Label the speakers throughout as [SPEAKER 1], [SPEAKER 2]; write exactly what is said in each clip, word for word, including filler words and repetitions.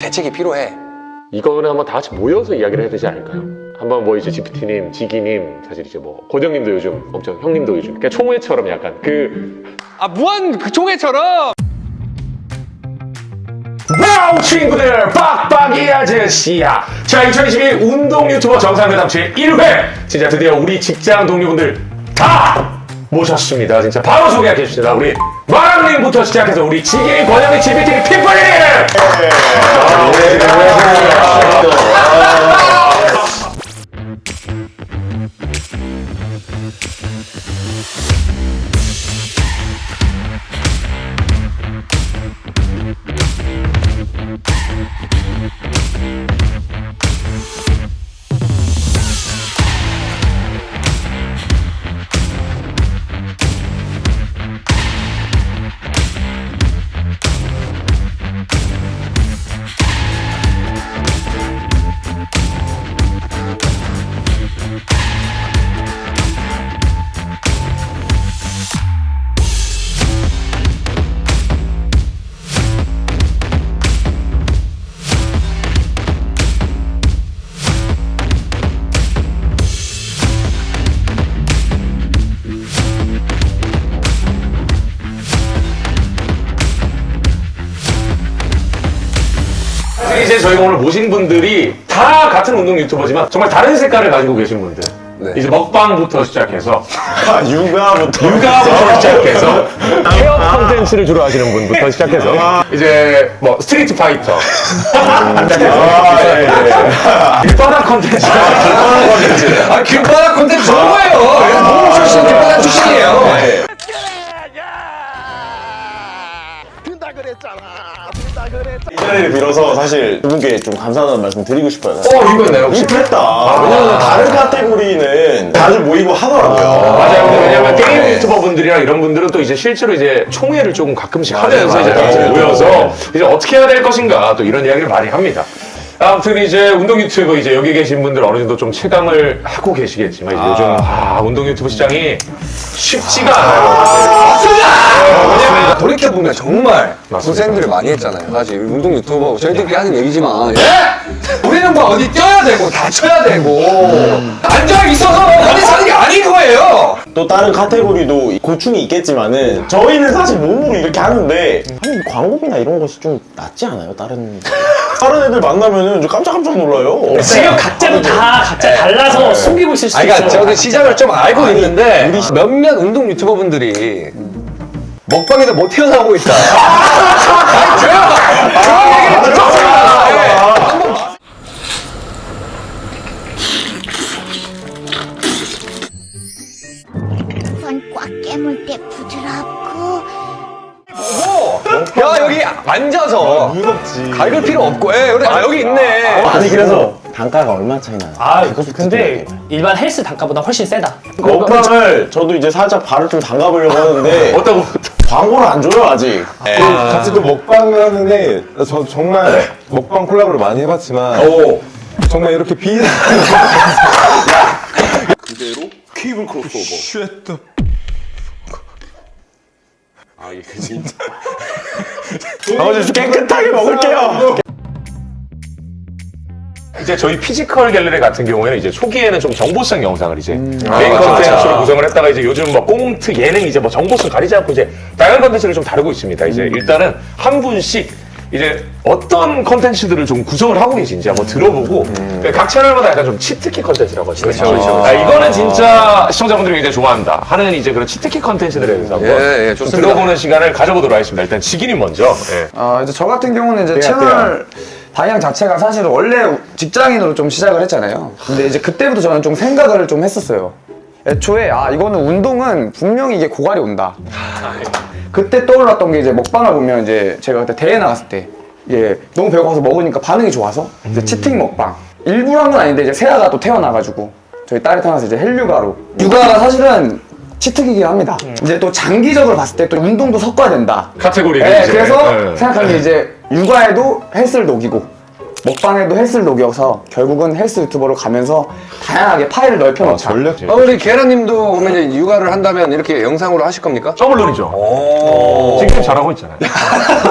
[SPEAKER 1] 대책이 필요해.
[SPEAKER 2] 이거는 한번 다 같이 모여서 이야기를 해야 되지 않을까요? 한번 뭐 이제 지피티님, 지기님, 사실 이제 뭐 고정님도 요즘 엄청 형님도 요즘 그러니까 총회처럼 약간 그
[SPEAKER 1] 아 무한 그 총회처럼.
[SPEAKER 2] 와우 친구들 빡빡이 아저씨야. 자 이천이십일 운동 유튜버 정상회담 제일 회 진짜 드디어 우리 직장 동료분들 다 모셨습니다. 진짜 바로 소개해 주십니다. 우리 마랑님부터 시작해서 우리 지기, 권영희, 지피티, 피플님. 이제 저희가 오늘 모신 분들이 다 같은 운동 유튜버지만 정말 다른 색깔을 가지고 계신 분들.
[SPEAKER 1] 네.
[SPEAKER 2] 이제 먹방부터 시작해서
[SPEAKER 3] 아, 육아부터
[SPEAKER 2] 육아부터 시작해서 케어 컨텐츠를 주로 하시는 분부터 시작해서 이제 뭐 스트리트 파이터 길바닥 컨텐츠 길바닥 컨텐츠
[SPEAKER 1] 아 길바닥 콘텐츠 좋은 거예요. 너무 출신 길바닥 출신이에요.
[SPEAKER 3] 이 자리를 빌어서 사실 두 분께 좀 감사하다는 말씀 드리고 싶어요.
[SPEAKER 2] 어 이거 있나요 혹시?
[SPEAKER 3] 못했다. 왜냐면 다른 카테고리는 다들 모이고 하더라고요.
[SPEAKER 2] 맞아요. 근데 왜냐면 게임 유튜버 분들이랑 이런 분들은 또 이제 실제로 이제 총회를 조금 가끔씩 하면서 이제 같이 모여서 이제 어떻게 해야 될 것인가 또 이런 이야기를 많이 합니다. 아무튼 이제 운동 유튜브 이제 여기 계신 분들 어느 정도 좀 체감을 하고 계시겠지만 이제 요즘 아 운동 유튜브 시장이 쉽지가 않아요.
[SPEAKER 1] 왜냐면 돌이켜 보면 정말 고생들을 많이 했잖아요. 사실 운동 유튜버 저희들끼리 하는 얘기지만 예? 우리는 뭐 어디 뛰어야 되고 다쳐야 되고 앉아 있어서 어디 사는 게 아닌 거예요.
[SPEAKER 3] 또 다른 카테고리도 고충이 있겠지만은 저희는 사실 몸으로 이렇게 하는데 아니 광고비나 이런 것이 좀 낫지 않아요? 다른 다른 애들 만나면은 좀 깜짝깜짝 놀라요.
[SPEAKER 4] 지금 각자도 다 각자 달라서 숨기고 있을 수도
[SPEAKER 1] 아, 그러니까
[SPEAKER 4] 있어요.
[SPEAKER 1] 저도 시장을 좀 알고 있는데 몇몇 운동 유튜버 분들이 먹방에서 못 태어나고 있다. 아니 제가 그런 얘기를 들었어요.
[SPEAKER 5] 손 꽉 깨물 때 부드럽고
[SPEAKER 1] 야 여기 앉아서
[SPEAKER 3] 무섭지.
[SPEAKER 1] 갈글 필요 없고 예, 그래. 아 여기 있네.
[SPEAKER 3] 아니 그래서 단가가 얼마 차이 나요?
[SPEAKER 4] 아,
[SPEAKER 3] 그것도
[SPEAKER 4] 근데
[SPEAKER 3] 듣고
[SPEAKER 4] 일반 헬스 단가보다 훨씬 세다.
[SPEAKER 3] 먹방을 저도 이제 살짝 발을 좀 담가보려고 하는데
[SPEAKER 2] 어떤
[SPEAKER 3] 광고를 안 줘요 아직.
[SPEAKER 6] 같이 또 먹방을 하는데 저 정말 먹방 콜라보를 많이 해봤지만
[SPEAKER 2] 오
[SPEAKER 6] 정말 이렇게 비
[SPEAKER 3] 그대로 케이블 크로스오버. 아 이게 진짜. 아버지 깨끗하게 먹을게요.
[SPEAKER 2] 이제 저희 피지컬 갤러리 같은 경우에는 이제 초기에는 좀 정보성 영상을 이제
[SPEAKER 1] 음.
[SPEAKER 2] 메인
[SPEAKER 1] 아,
[SPEAKER 2] 컨텐츠로 구성을 했다가 이제 요즘 뭐 꽁트, 예능 이제 뭐 정보성 가리지 않고 이제 다양한 컨텐츠를 좀 다루고 있습니다. 이제
[SPEAKER 1] 음.
[SPEAKER 2] 일단은 한 분씩 이제 어떤 컨텐츠들을 좀 구성을 하고 계신지 한번 들어보고 그러니까 각 채널마다 약간 좀 치트키 컨텐츠라고 하죠. 그렇죠, 그렇죠. 아, 이거는 진짜 시청자분들이 굉장히 좋아한다 하는 이제 그런 치트키 컨텐츠들에 대해서 한번
[SPEAKER 1] 예, 예,
[SPEAKER 2] 좀
[SPEAKER 1] 좋습니다.
[SPEAKER 2] 들어보는 시간을 가져보도록 하겠습니다. 일단 지기님 먼저. 예.
[SPEAKER 7] 아, 이제 저 같은 경우는 이제 채널 방향 자체가 사실 원래 직장인으로 좀 시작을 했잖아요. 근데 이제 그때부터 저는 좀 생각을 좀 했었어요. 애초에 아 이거는 운동은 분명히 이게 고갈이 온다. 그때 떠올랐던 게 이제 먹방을 보면 이제 제가 그때 대회 나갔을 때 이게 너무 배고파서 먹으니까 반응이 좋아서 이제 치팅 먹방 일부러 한 건 아닌데 이제 세아가 또 태어나가지고 저희 딸이 태어나서 이제 헬류가로 육아가 사실은 치트기긴 합니다. 이제 또 장기적으로 봤을 때 또 운동도 섞어야 된다.
[SPEAKER 2] 카테고리를
[SPEAKER 7] 네,
[SPEAKER 2] 이제.
[SPEAKER 7] 그래서
[SPEAKER 2] 예.
[SPEAKER 7] 생각한 게 이제 육아에도 헬스를 녹이고 먹방에도 헬스를 녹여서 결국은 헬스 유튜버로 가면서 다양하게 파일을 넓혀놓자.
[SPEAKER 6] 전략
[SPEAKER 1] 어, 우리 계란님도 그러면 이제 육아를 한다면 이렇게 영상으로 하실 겁니까?
[SPEAKER 2] 더블 론이죠.
[SPEAKER 1] 오.
[SPEAKER 2] 지금 잘하고 있잖아요.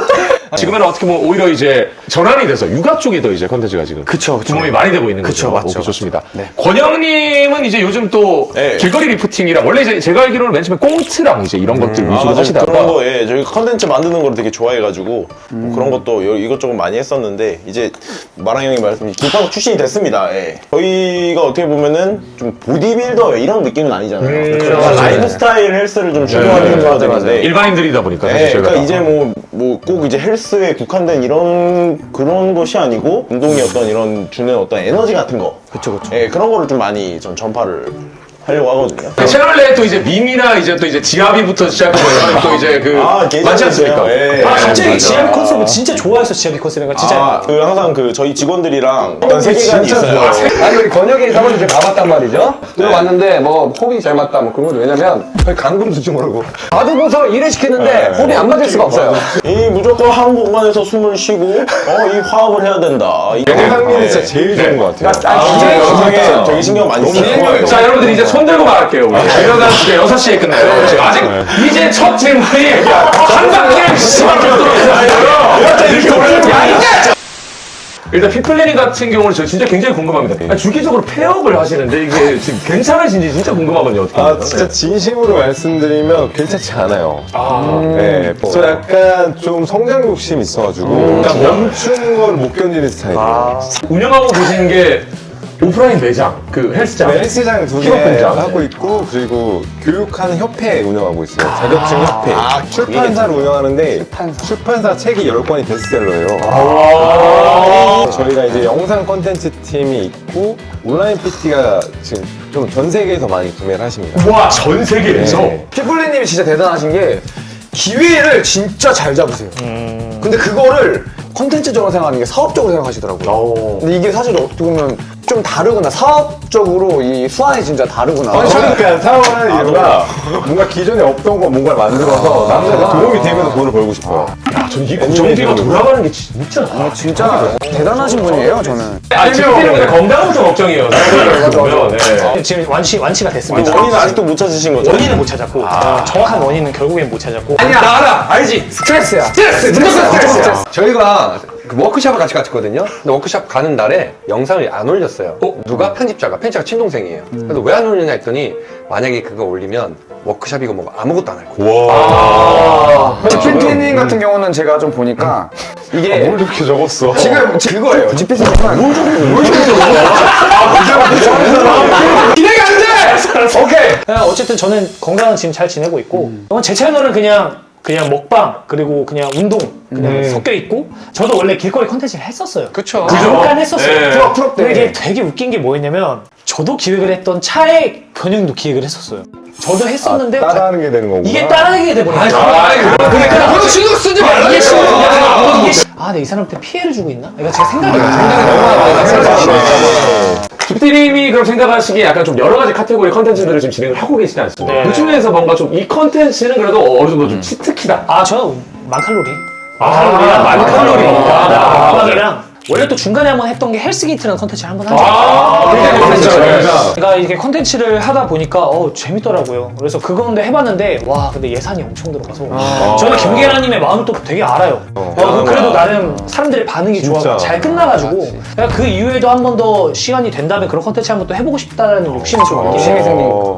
[SPEAKER 2] 지금은 어떻게 보면 오히려 이제 전환이 돼서 육아 쪽이 더 이제 컨텐츠가 지금
[SPEAKER 7] 그쵸, 그쵸.
[SPEAKER 2] 부모이 많이 되고 있는
[SPEAKER 7] 그쵸,
[SPEAKER 2] 거죠.
[SPEAKER 7] 맞죠,
[SPEAKER 2] 오케이, 좋습니다.
[SPEAKER 7] 네.
[SPEAKER 2] 권영님은 이제 요즘 또
[SPEAKER 3] 네.
[SPEAKER 2] 길거리 리프팅이랑 원래 이제 제가 알기로는 맨 처음에 꽁트랑 이제 이런 것들
[SPEAKER 3] 아,
[SPEAKER 2] 위주로
[SPEAKER 3] 맞아요.
[SPEAKER 2] 하시다가
[SPEAKER 3] 그런 거, 예. 저희 컨텐츠 만드는 걸 되게 좋아해가지고 뭐 그런 것도 여- 이것저것 많이 했었는데 이제 마랑 형이 말씀 김밥국 출신이 됐습니다. 예. 저희가 어떻게 보면은 좀 보디빌더 이런 느낌은 아니잖아요.
[SPEAKER 2] 음,
[SPEAKER 3] 그러니까
[SPEAKER 2] 그렇죠.
[SPEAKER 3] 라이프 스타일 헬스를 좀 추구하는 회사들인데
[SPEAKER 2] 일반인들이다 보니까 사실
[SPEAKER 3] 네,
[SPEAKER 2] 저희가
[SPEAKER 3] 그러니까 이제 뭐 뭐 꼭 이제 헬스에 국한된 이런 그런 것이 아니고 운동이 어떤 이런 주는 어떤 에너지 같은 거,
[SPEAKER 7] 그쵸, 그쵸.
[SPEAKER 3] 예, 그런 거를 좀 많이 전 전파를 하려고 하거든요.
[SPEAKER 2] 그 채널 내에 또 이제 밈이나 이제 또 이제 지압이부터 시작해서 또 이제 그
[SPEAKER 3] 아, 계좌
[SPEAKER 2] 많지 않습니까?
[SPEAKER 3] 있어요. 예.
[SPEAKER 4] 아, 갑자기
[SPEAKER 3] 맞아.
[SPEAKER 4] 지압 컨셉을 진짜 좋아했어, 지압 컨셉을. 진짜.
[SPEAKER 3] 아, 그 항상 그 저희 직원들이랑 어떤 세계관이 있어요.
[SPEAKER 1] 아니 우리 권혁이 사무실 이제 가봤단 말이죠. 들어왔는데 뭐 호흡이 잘 맞다 뭐 그런 건 왜냐면 거의 강금수지 모르고 받으고서 일을 시키는데 호흡이 안 맞을 수가 없어요.
[SPEAKER 3] 이 무조건 한 공간에서 숨을 쉬고 어 이 화합을 해야 된다. 이
[SPEAKER 6] 영상미는 진짜 제일 좋은 것 같아요.
[SPEAKER 3] 아,
[SPEAKER 1] 기획
[SPEAKER 3] 영상에 되게 신경 많이 써요.
[SPEAKER 2] 자, 여러분들 이제 손 들고 말할게요. 우리 이러다 이제 여섯 시에 끝나요. 지금 아직 이제 첫 질문이 한 바퀴를 씨발 돌아가요. 이렇게 오르는 게 아니야. 일단 핏플래닝 같은 경우는 저 진짜 굉장히 궁금합니다. 아니, 주기적으로 폐업을 하시는데 이게 지금 괜찮으신지 진짜 궁금하거든요. 어떻게
[SPEAKER 6] 아
[SPEAKER 2] 합니까?
[SPEAKER 6] 진짜 진심으로 말씀드리면 괜찮지 않아요.
[SPEAKER 2] 아,
[SPEAKER 6] 네, 저 약간 좀 성장 욕심이 있어가지고 그냥 멈춘 걸 못 견디는 스타일이에요.
[SPEAKER 2] 운영하고 계시는 게 오프라인 매장, 그 헬스장.
[SPEAKER 6] 네, 헬스장 두 개
[SPEAKER 2] 힙업공장.
[SPEAKER 6] 하고 있고 그리고 교육하는 협회 운영하고 있어요. 자격증 협회. 출판사를 운영하는데 출판사 책이 열 권이 베스트셀러예요. 저희가 이제 영상 콘텐츠 팀이 있고 온라인 피티가 지금 좀 전 세계에서 많이 구매를 하십니다.
[SPEAKER 2] 와, 전 세계에서.
[SPEAKER 6] 네.
[SPEAKER 7] 피플리님이 진짜 대단하신 게 기회를 진짜 잘 잡으세요. 근데 그거를 컨텐츠적으로 생각하는 게 사업적으로 생각하시더라고요.
[SPEAKER 2] 오.
[SPEAKER 7] 근데 이게 사실 어떻게 보면 좀 다르구나. 사업적으로 이 수완이 진짜 다르구나.
[SPEAKER 6] 아니, 저는 그냥 사업을 하는 이유가 뭔가 기존에 없던 거 뭔가를 만들어서 남들한테 도움이 되면서 돈을 벌고 싶어요.
[SPEAKER 2] 야, 전 이 고정비가 돌아가는 게 진짜.
[SPEAKER 7] 아, 진짜 대단하신 분이에요, 저는.
[SPEAKER 2] 아니, 지금 때문에 건강부터 걱정이에요. 보면. 네.
[SPEAKER 4] 지금 완치, 완치가 됐습니다.
[SPEAKER 3] 원인은 아직도 못 찾으신 거죠?
[SPEAKER 4] 원인은 못 찾았고, 어, 정확한 원인은 결국엔 못 찾았고.
[SPEAKER 1] 아니야 나 알아 알지
[SPEAKER 7] 스트레스야.
[SPEAKER 1] 스트레스 무조건 스트레스. 저희가 그 워크숍을 같이 갔거든요. 근데 워크숍 가는 날에 영상을 안 올렸어요. 누가 편집자가 편집자가 친동생이에요. 그래서 왜 안 올리냐 했더니 만약에 그거 올리면 워크숍이고 뭐 아무것도 안 할 거예요.
[SPEAKER 7] 지피피님 같은 경우는 제가 좀 보니까 이게
[SPEAKER 6] 뭘 이렇게 적었어?
[SPEAKER 7] 지금 그거예요. 지피피님은
[SPEAKER 1] 기대가 안 돼. 오케이.
[SPEAKER 4] 그냥 어쨌든 저는 건강은 지금 잘 지내고 있고, 어, 제 채널은 그냥 그냥 먹방 그리고 그냥 운동 그냥 섞여 있고, 저도 원래 길거리 컨텐츠를 했었어요.
[SPEAKER 1] 그쵸.
[SPEAKER 4] 잠깐 했었어요.
[SPEAKER 2] 네.
[SPEAKER 4] 프로 프로 때. 근데 이게 되게 웃긴 게 뭐였냐면, 저도 기획을 했던 차액 변형도 기획을 했었어요. 저도 했었는데
[SPEAKER 6] 따라하는 게 되는 거구나.
[SPEAKER 4] 이게 따라하게 돼버린 거예요.
[SPEAKER 1] 그러니까 그거 신경 쓰지 말라.
[SPEAKER 4] 이게 싫어. 이게 싫어. 아, 근데 이 사람한테 피해를 주고 있나? 이거 제가 생각이 안
[SPEAKER 2] 주피님이 그럼 생각하시기에 약간 좀 여러 가지 카테고리 컨텐츠들을 지금 진행을 하고 계시지 않습니까?
[SPEAKER 4] 네.
[SPEAKER 2] 그 중에서 뭔가 좀 이 컨텐츠는 그래도 어느 정도 좀 치트키다.
[SPEAKER 4] 아, 저는 만칼로리.
[SPEAKER 2] 아, 만칼로리.
[SPEAKER 4] 아, 먹방이랑 원래 또 중간에 한번 했던 게 헬스게이트라는 컨텐츠를 한번 하죠.
[SPEAKER 2] 아, 굉장히 컨텐츠죠.
[SPEAKER 4] 제가 이게 컨텐츠를 하다 보니까 어 재밌더라고요. 그래서 그건데 해봤는데 와 근데 예산이 엄청 들어가서 저는 김계란님의 마음을 또 되게 알아요. 어, 그래도 나름 사람들의 반응이 좋아
[SPEAKER 6] 진짜.
[SPEAKER 4] 잘 끝나가지고 그그 이후에도 한 번 더 시간이 된다면 그런 컨텐츠 한번 또 해보고 싶다라는 욕심이 좀 있긴
[SPEAKER 7] 욕심이
[SPEAKER 4] 해요.
[SPEAKER 7] 생긴 거.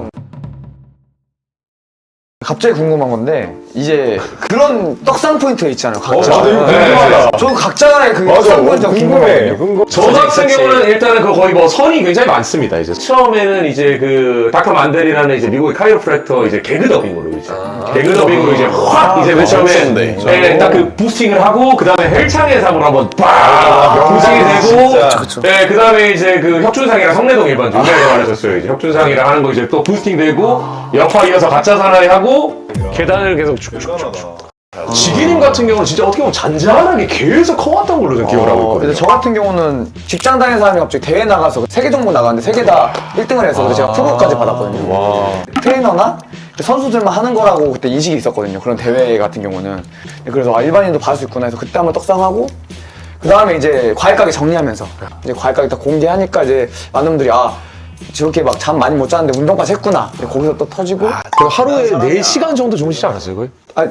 [SPEAKER 7] 갑자기 궁금한 건데 이제 그런 떡상 포인트가 있잖아요. 각자.
[SPEAKER 6] 나도 이거 궁금하다.
[SPEAKER 7] 저 각자의 그
[SPEAKER 6] 맞아,
[SPEAKER 7] 떡상 포인트가
[SPEAKER 6] 궁금해.
[SPEAKER 7] 궁금해요.
[SPEAKER 6] 궁금.
[SPEAKER 2] 저 같은 경우는 일단은 그 거의 뭐 선이 굉장히 많습니다. 이제 처음에는 이제 그 닥터 만델이라는 이제 미국의 카이로프랙터 이제 개그 더빙으로 이제 개그 더빙으로 이제 확 이제 맨 처음에 예, 딱 그 부스팅을 하고 그 다음에 헬창의상으로 한번 빡 부스팅이 되고 예, 그 다음에 이제 그 혁준상이랑 성내동 일반 중간에서 말하셨어요. 이제 혁준상이랑 하는 거 이제 또 부스팅 되고 역파 이어서 가짜 사나이 하고 계단을 계속 쭉쭉쭉. 지기님 같은 경우는 진짜 어떻게 보면 잔잔하게 계속 커왔던 걸로 저는 기억을 하고 있거든요.
[SPEAKER 7] 그래서 저 같은 경우는 직장 다니는 사람이 갑자기 대회 나가서 세계 종목 나가는데 세 개 다 일 등을 해서 그래서 제가 프로까지 받았거든요. 트레이너나 선수들만 하는 거라고 그때 인식이 있었거든요. 그런 대회 같은 경우는. 그래서 아, 일반인도 받을 수 있구나 해서 그때 한번 떡상하고 그 다음에 이제 과일가게 정리하면서 이제 과일가게 딱 공개하니까 이제 많은 분들이 아 저렇게 막 잠 많이 못 잤는데 운동까지 했구나. 거기서 또 터지고
[SPEAKER 2] 그 하루에 네 시간 정도 주무시지 않았어요, 거의?
[SPEAKER 7] 아,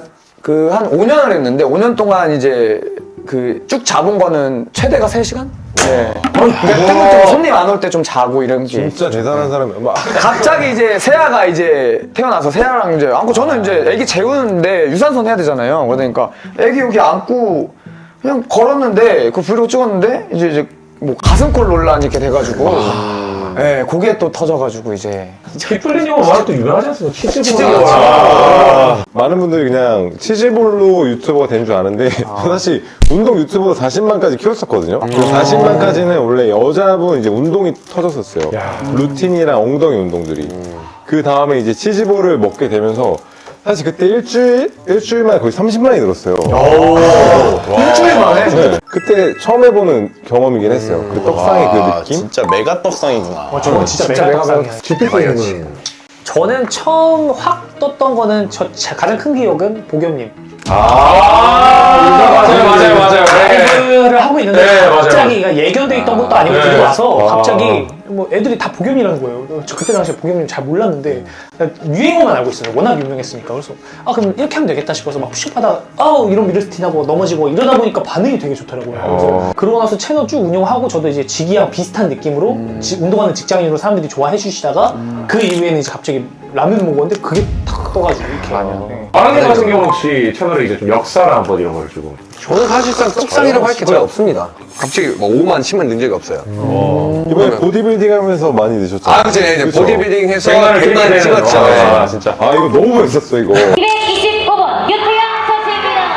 [SPEAKER 7] 그 한 오 년을 했는데 오 년 동안 이제 그 쭉 잡은 거는 최대가 세 시간? 네. 그러니까 손님 안 올 때 좀 자고 이런 게.
[SPEAKER 6] 진짜 대단한 사람이야. 막
[SPEAKER 7] 갑자기 이제 세아가 이제 태어나서 세아랑 이제 안고 저는 이제 애기 재우는데 유산소 해야 되잖아요. 그러니까 애기 여기 안고 그냥 걸었는데 그 브이로그 찍었는데 이제 이제 뭐 가슴골 논란 이렇게 돼가지고 예, 그게 또 터져가지고 이제
[SPEAKER 2] 피플린 형은 워낙 또 유명하지 않습니까? 치즈볼.
[SPEAKER 6] 아, 많은 분들이 그냥 치즈볼로 유튜버가 된 줄 아는데 사실 운동 유튜버로 사십만까지 키웠었거든요. 그 사십만까지는 원래 여자분 이제 운동이 터졌었어요. 루틴이랑 엉덩이 운동들이. 그 다음에 이제 치즈볼을 먹게 되면서 사실 그때 일주일 일주일 만에 거의 삼십만이 늘었어요.
[SPEAKER 7] 일주일 만에
[SPEAKER 6] 네. 그때 처음 해보는 경험이긴 했어요. 그 떡상의 그
[SPEAKER 3] 와,
[SPEAKER 6] 느낌.
[SPEAKER 3] 진짜 메가 떡상이구나.
[SPEAKER 4] 어, 저는 진짜,
[SPEAKER 7] 진짜
[SPEAKER 4] 메가
[SPEAKER 7] 메가
[SPEAKER 4] 떡상이야.
[SPEAKER 2] 지피플린은
[SPEAKER 4] 저는 처음 확 떴던 거는 저 자- 가장 큰 기억은 보겸님.
[SPEAKER 2] 아, 맞아요, 맞아요, 맞아요. 네.
[SPEAKER 4] 라이브를 하고 있는데
[SPEAKER 2] 네, 맞아요.
[SPEAKER 4] 갑자기 그러니까 예견돼 있던 것도 아니고
[SPEAKER 2] 네.
[SPEAKER 4] 들어와서
[SPEAKER 2] 아.
[SPEAKER 4] 갑자기 뭐 애들이 다 보겸이라는 거예요. 저 그때 당시에 보겸님 잘 몰랐는데 그냥 유행어만 알고 있어요. 워낙 유명했으니까. 그래서 아 그럼 이렇게 하면 되겠다 싶어서 막 푸시업하다가 아우 이런 미르스틴하고 넘어지고 이러다 보니까 반응이 되게 좋더라고요. 그래서 그러고 나서 채널 쭉 운영하고 저도 이제 직이랑 비슷한 느낌으로 지- 운동하는 직장인으로 사람들이 좋아해 주시다가 그 이후에는 이제 갑자기 라면 먹었는데 그게 탁 떠가지고 이렇게 네.
[SPEAKER 2] 아랑님 같은 경우는 혹시 채널에 이제 좀 역사를 한번 이런 걸 주고.
[SPEAKER 1] 저는 사실상 떡상이라고 할 게 거의 없습니다. 갑자기 뭐 오만, 십만 는 적이 없어요.
[SPEAKER 6] 이번에 보디빌딩 하면서 많이 드셨잖아요.
[SPEAKER 1] 아, 그치. 이제
[SPEAKER 6] 그쵸?
[SPEAKER 1] 보디빌딩 해서
[SPEAKER 2] 백만을
[SPEAKER 1] 백만
[SPEAKER 2] 찍게
[SPEAKER 1] 찍었죠.
[SPEAKER 2] 되는,
[SPEAKER 1] 네.
[SPEAKER 2] 아, 진짜.
[SPEAKER 6] 아 이거 너무 멋있었어 이거.
[SPEAKER 8] 이백이십오 번 유태영 선수입니다.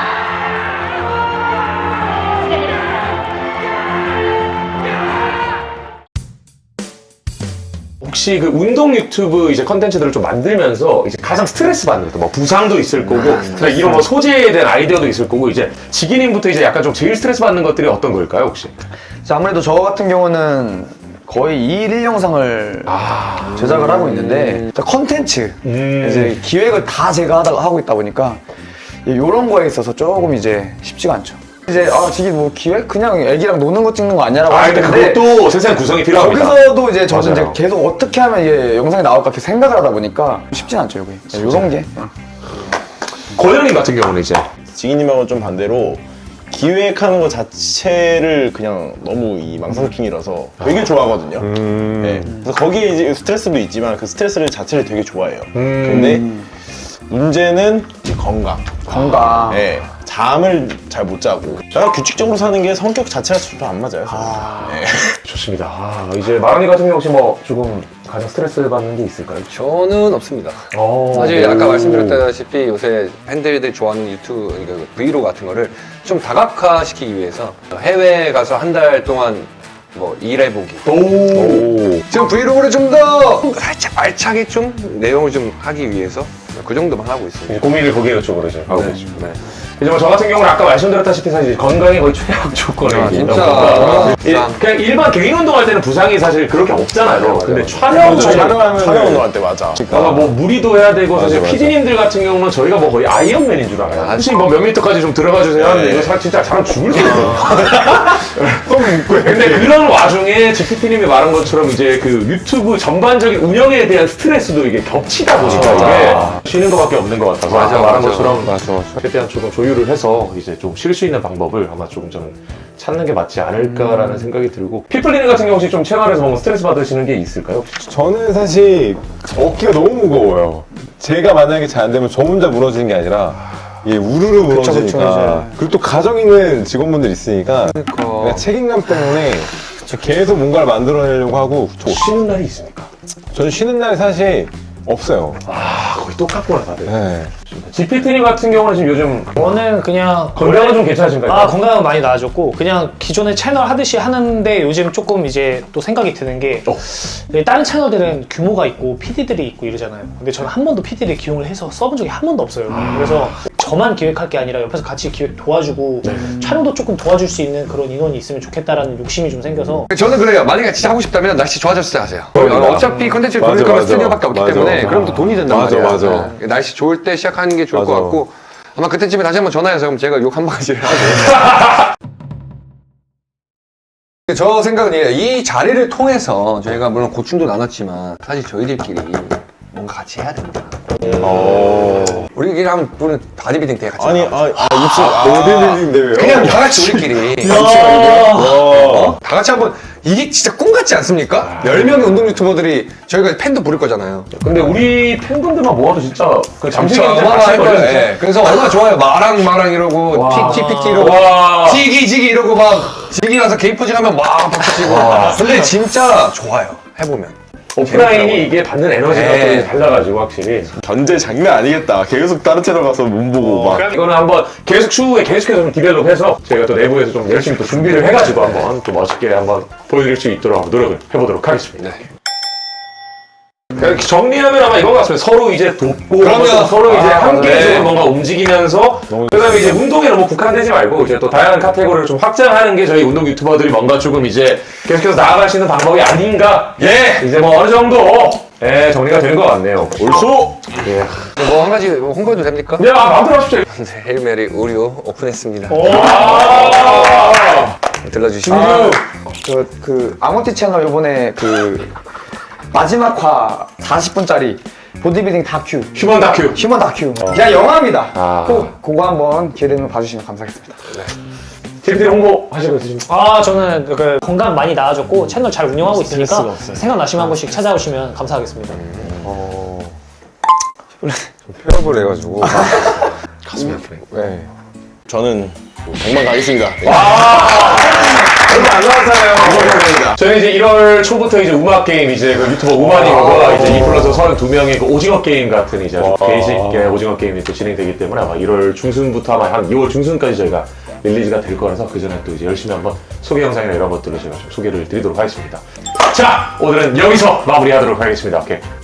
[SPEAKER 2] 혹시 그 운동 유튜브 이제 컨텐츠들을 좀 만들면서 이제 가장 스트레스 받는 것도 뭐 부상도 있을 거고 그러니까 이런 뭐 소재에 대한 아이디어도 있을 거고 이제 지기님부터 이제 약간 좀 제일 스트레스 받는 것들이 어떤 걸까요 혹시?
[SPEAKER 7] 이제 아무래도 저 같은 경우는 거의 이 일 일 영상을 제작을 하고 있는데 컨텐츠 이제 기획을 다 제가 하다 하고 있다 보니까 이런 거에 있어서 조금 이제 쉽지가 않죠. 이제 아 지금 뭐 기획 그냥 애기랑 노는 거 찍는 거 아니야라고
[SPEAKER 2] 아 근데
[SPEAKER 7] 하시는데
[SPEAKER 2] 그것도 세세한 구성이 필요합니다.
[SPEAKER 7] 거기서도 이제 저는
[SPEAKER 2] 맞아요.
[SPEAKER 7] 이제 계속 어떻게 하면 이게 영상이 나올까 이렇게 생각을 하다 보니까 쉽진 않죠 이게 이런 게.
[SPEAKER 2] 권영님 같은 경우는 이제
[SPEAKER 3] 지기님하고 좀 반대로 기획하는 것 자체를 그냥 너무 이 망상킹이라서 되게 좋아하거든요. 네. 그래서 거기에 이제 스트레스도 있지만 그 스트레스를 자체를 되게 좋아해요. 근데 문제는 이제 건강.
[SPEAKER 7] 건강.
[SPEAKER 3] 네. 잠을 잘 못 자고. 내가 규칙적으로 사는 게 성격 자체가 좀 안 맞아요. 네.
[SPEAKER 2] 좋습니다. 아, 이제 마랑이 같은 경우 혹시 뭐 조금 가장 스트레스 받는 게 있을까요?
[SPEAKER 1] 저는 없습니다.
[SPEAKER 2] 어,
[SPEAKER 1] 사실 아까 말씀드렸다시피 요새 팬들이 좋아하는 유튜브, 그러니까 브이로그 같은 거를 좀 다각화시키기 위해서 해외에 가서 한 달 동안 뭐 일해보기.
[SPEAKER 2] 오.
[SPEAKER 1] 지금 브이로그를 좀 더 살짝 알차게 좀 내용을 좀 하기 위해서 그 정도만 하고 있습니다.
[SPEAKER 2] 이제 고민을 거기에 쪽으로 이제 하고
[SPEAKER 1] 네.
[SPEAKER 2] 계시고. 이제 뭐 저 같은 경우는 아까 말씀드렸다시피 사실 건강이 거의 최악 조건이에요.
[SPEAKER 1] 아, 진짜.
[SPEAKER 2] 건강. 일-
[SPEAKER 1] 부상.
[SPEAKER 2] 그냥 일반 개인 운동할 때는 부상이 사실 그렇게 없잖아요. 근데 촬영
[SPEAKER 3] 맞아,
[SPEAKER 2] 촬영
[SPEAKER 3] 촬영하면 촬영 운동할 때 맞아.
[SPEAKER 2] 아마 뭐 무리도 해야 되고 사실
[SPEAKER 6] 맞아.
[SPEAKER 2] 피디님들 같은 경우는 저희가 뭐 거의 아이언맨인 줄 알아요. 혹시 뭐 몇 미터까지 좀 들어가 주세요 하는데 이거 사실 진짜 사람 죽을 수 있어요. 근데 그런 와중에 지피피님이 말한 것처럼 이제 그 유튜브 전반적인 운영에 대한 스트레스도 이게 겹치다 보니까 이게 쉬는 것밖에 없는 것 같아서
[SPEAKER 1] 맞아,
[SPEAKER 2] 아까 말한
[SPEAKER 1] 맞아.
[SPEAKER 2] 것처럼
[SPEAKER 6] 맞아, 맞아.
[SPEAKER 2] 최대한 조금 조율을 해서 이제 좀 쉴 수 있는 방법을 아마 조금 저는 찾는 게 맞지 않을까라는 생각이 들고 피플리님 같은 경우 혹시 좀 채널에서 뭔가 스트레스 받으시는 게 있을까요? 혹시?
[SPEAKER 6] 저는 사실 어깨가 너무 무거워요. 제가 만약에 잘 안 되면 저 혼자 무너지는 게 아니라 이게 우르르 무너지니까. 그리고 또 가정 있는 직원분들 있으니까 그냥 책임감 때문에 계속 뭔가를 만들어내려고 하고 저,
[SPEAKER 2] 쉬는 날이 있습니까?
[SPEAKER 6] 저는 쉬는 날이 사실 없어요.
[SPEAKER 2] 아 거의 똑같구나 다들.
[SPEAKER 6] 네.
[SPEAKER 2] 지피티님 같은 경우는 지금 요즘
[SPEAKER 4] 저는 그냥
[SPEAKER 2] 건강은 좀 괜찮으신가요?
[SPEAKER 4] 아 건강은 많이 나아졌고 그냥 기존의 채널 하듯이 하는데 요즘 조금 이제 또 생각이 드는 게
[SPEAKER 2] 어.
[SPEAKER 4] 다른 채널들은 규모가 있고 피디들이 있고 이러잖아요. 근데 저는 한 번도 피디를 기용을 해서 써본 적이 한 번도 없어요. 그래서 저만 기획할 게 아니라 옆에서 같이 기획 도와주고 촬영도 조금 도와줄 수 있는 그런 인원이 있으면 좋겠다라는 욕심이 좀 생겨서
[SPEAKER 1] 저는 그래요. 만약에 진짜 하고 싶다면 날씨 좋아졌을 때 하세요.
[SPEAKER 6] 그러니까.
[SPEAKER 1] 어차피 컨텐츠를
[SPEAKER 6] 맞아,
[SPEAKER 1] 돌릴 거면
[SPEAKER 6] 맞아.
[SPEAKER 1] 스튜디오밖에 없기
[SPEAKER 6] 맞아,
[SPEAKER 1] 때문에
[SPEAKER 6] 맞아.
[SPEAKER 1] 그럼 또 돈이 된단
[SPEAKER 6] 맞아,
[SPEAKER 1] 말이야.
[SPEAKER 6] 맞아.
[SPEAKER 1] 네. 날씨 좋을 때 시작하는 게 좋을 것
[SPEAKER 6] 맞아.
[SPEAKER 1] 같고 아마 그때쯤에 다시 한번 전화해서 그럼 제가 욕 한 바가지를 하고 저 생각은 이래요. 이 자리를 통해서 저희가 물론 고충도 나눴지만 사실 저희들끼리 뭔가 같이 해야 된다.
[SPEAKER 3] 어.
[SPEAKER 1] 우리끼리 하면 우리는 바디빌딩 대회 같이
[SPEAKER 3] 아니,
[SPEAKER 1] 나가자.
[SPEAKER 3] 아, 아 입술. 아,
[SPEAKER 6] 보디빌딩 대회요?
[SPEAKER 1] 그냥 다 같이 우리끼리
[SPEAKER 6] 와.
[SPEAKER 1] 어? 다 같이 한번 이게 진짜 꿈 같지 않습니까? 열 명의 운동 유튜버들이 저희가 팬도 부를 거잖아요.
[SPEAKER 2] 근데 우리 팬분들만 모아도 진짜 그 잠시
[SPEAKER 1] 진짜
[SPEAKER 2] 경쟁
[SPEAKER 1] 어마어마할
[SPEAKER 2] 같이
[SPEAKER 1] 거예요.
[SPEAKER 2] 거예요.
[SPEAKER 1] 예. 그래서 얼마나 좋아요. 마랑 마랑 이러고 틱틱틱 이러고
[SPEAKER 2] 와.
[SPEAKER 1] 지기 지기 이러고 막 지기 나서 게임 포징 하면 막 박수 치고. 근데 진짜 좋아요. 해보면.
[SPEAKER 2] 오프라인이 이게 받는 에너지가
[SPEAKER 1] 네.
[SPEAKER 2] 또 달라가지고 확실히.
[SPEAKER 3] 견제 장난 아니겠다. 계속 다른 채널 가서 못 보고 막.
[SPEAKER 2] 그럼 이거는 한번 계속 추후에 계속해서 좀 디벨롭해서 저희가 또 내부에서 좀 열심히 또 준비를 해가지고 한번 또 멋있게 한번 보여드릴 수 있도록 한번 노력을 해보도록 하겠습니다. 이렇게 정리하면 아마 이건 것 같습니다. 서로 이제 돕고
[SPEAKER 1] 그럼요.
[SPEAKER 2] 또 서로 이제
[SPEAKER 1] 아,
[SPEAKER 2] 함께적으로
[SPEAKER 1] 네.
[SPEAKER 2] 뭔가 움직이면서 그다음에 이제 운동에 너무 국한되지 말고 이제 또 다양한 카테고리를 좀 확장하는 게 저희 운동 유튜버들이 뭔가 조금 이제 계속해서 나아갈 수 있는 방법이 아닌가. 예, 이제 뭐 어느 정도 예, 정리가 되는 것 같네요.
[SPEAKER 3] 옳소!
[SPEAKER 2] 예.
[SPEAKER 1] 뭐 한 가지 홍보해도 됩니까?
[SPEAKER 2] 네, 아, 마음대로 하십시오.
[SPEAKER 1] 네, 헤일메리 우리오 오픈했습니다.
[SPEAKER 2] 아~
[SPEAKER 1] 들러주시면
[SPEAKER 7] 아, 그, 그 아모티 채널 요번에 그 마지막 화 사십 분짜리 보디빌딩 다큐
[SPEAKER 2] 휴먼 다큐.
[SPEAKER 7] 휴먼 다큐 그냥 영화입니다.
[SPEAKER 2] 아.
[SPEAKER 7] 꼭 그거 한번 기회되면 봐주시면 감사하겠습니다.
[SPEAKER 2] 티비티 홍보 하시고 있으십니까?
[SPEAKER 4] 아 저는 그 건강 많이 나아졌고 채널 잘 운영하고 있으니까 생각나시면 한 번씩 찾아오시면 감사하겠습니다.
[SPEAKER 1] 폐업을 해가지고
[SPEAKER 2] 가슴이 아프네.
[SPEAKER 1] 네.
[SPEAKER 3] 저는 백만 가겠습니다.
[SPEAKER 2] 얼마 안 남았잖아요. 저는 이제 일월 초부터 이제 음악 게임 이제 그 유튜버 우마닝과 이제 이 플러스 서른두 명의 그 오징어 게임 같은 이제 아주 베이직 오징어 게임이 또 진행되기 때문에 아마 일월 중순부터 아마 한 이월 중순까지 저희가 릴리즈가 될 거라서 그 전에 또 이제 열심히 한번 소개 영상이나 이런 것들을 제가 좀 소개를 드리도록 하겠습니다. 자, 오늘은 여기서 마무리하도록 하겠습니다. 오케이.